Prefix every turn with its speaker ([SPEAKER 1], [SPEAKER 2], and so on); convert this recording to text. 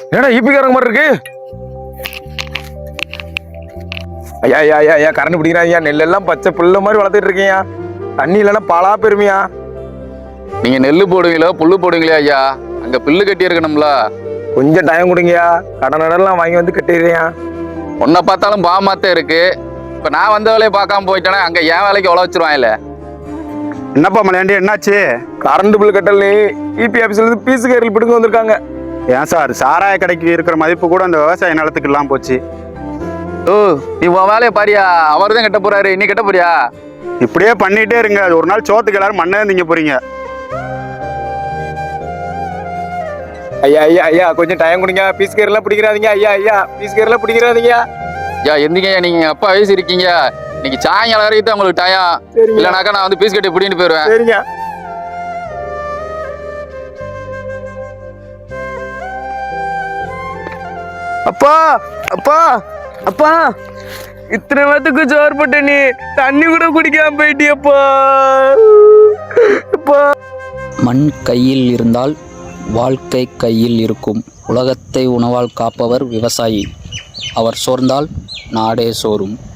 [SPEAKER 1] என்னடா ஈபிக்காரங்க மாதிரி இருக்கு. ஐயா ஐயா ஐயா ஐயா கரண்ட் பிடிக்கிறாங்க. நெல்லெல்லாம் பச்சை புல்ல மாதிரி வளர்த்துட்டு இருக்கீங்க. தண்ணி இல்லைன்னா பாலா பெருமையா.
[SPEAKER 2] நீங்க நெல்லு போடுவீங்களோ புல்லு போடுவீங்களே ஐயா, அங்க பில்லு கட்டி இருக்கணும்ல.
[SPEAKER 1] கொஞ்சம் டைம் கொடுங்கயா, கடன் நடலாம் வாங்கி வந்து கட்டிடுறியா.
[SPEAKER 2] உன்னை பார்த்தாலும் பாமாத்தே இருக்கு. இப்ப நான் வந்த வேலையை பார்க்காம போயிட்டேன்னா அங்க என் வேலைக்கு உழ வச்சிருவாங்கல்ல.
[SPEAKER 3] என்னப்பா மலையாண்டி, என்னாச்சு?
[SPEAKER 1] கரண்ட் பில் கட்டல இபி ஆபீஸ்ல இருந்து பீஸு கேரல் பிடுங்க வந்திருக்காங்க.
[SPEAKER 3] ஏன் சார், சாராய கடைக்கு இருக்கிற மதிப்பு கூட அந்த விவசாய நிலத்துக்கு எல்லாம் போச்சு.
[SPEAKER 2] ஓ, நீ உன் வேலையை பாரியா, அவர் தான் கட்ட போறாரு, நீ கட்ட போறியா?
[SPEAKER 3] இப்படியே பண்ணிட்டே இருங்க, அது ஒரு நாள் சோத்துக்கு எல்லாரும் மண்ணே திங்க போறீங்க.
[SPEAKER 1] ஐயா ஐயா ஐயா கொஞ்சம் டைம் கொடுங்க. பீஸ் கேரெல்லாம் பிடிக்கிறாதீங்க. ஐயா ஐயா பீஸ் கேரெல்லாம் பிடிக்கிறாதீங்க.
[SPEAKER 2] ஐயா எந்திங்க, நீங்க அப்பா வயசு இருக்கீங்க. இன்னைக்கு சாயங்காலம் வரைக்கும் தான் உங்களுக்கு டயம். இல்லைனாக்கா நான் வந்து பீஸ் கட்டி பிடின்னு போயிடுவேன்.
[SPEAKER 1] சரிங்க.
[SPEAKER 4] அப்பா அப்பா அப்பா, இத்தனை பேத்துக்கு சோறு போட்ட நீ தண்ணி கூட குடிக்காம போயிட்டியப்பா. அப்பா,
[SPEAKER 5] மண் கையில் இருந்தால் வாழ்க்கை கையில் இருக்கும். உலகத்தை உணவால் காப்பவர் விவசாயி. அவர் சோர்ந்தால் நாடே சோரும்.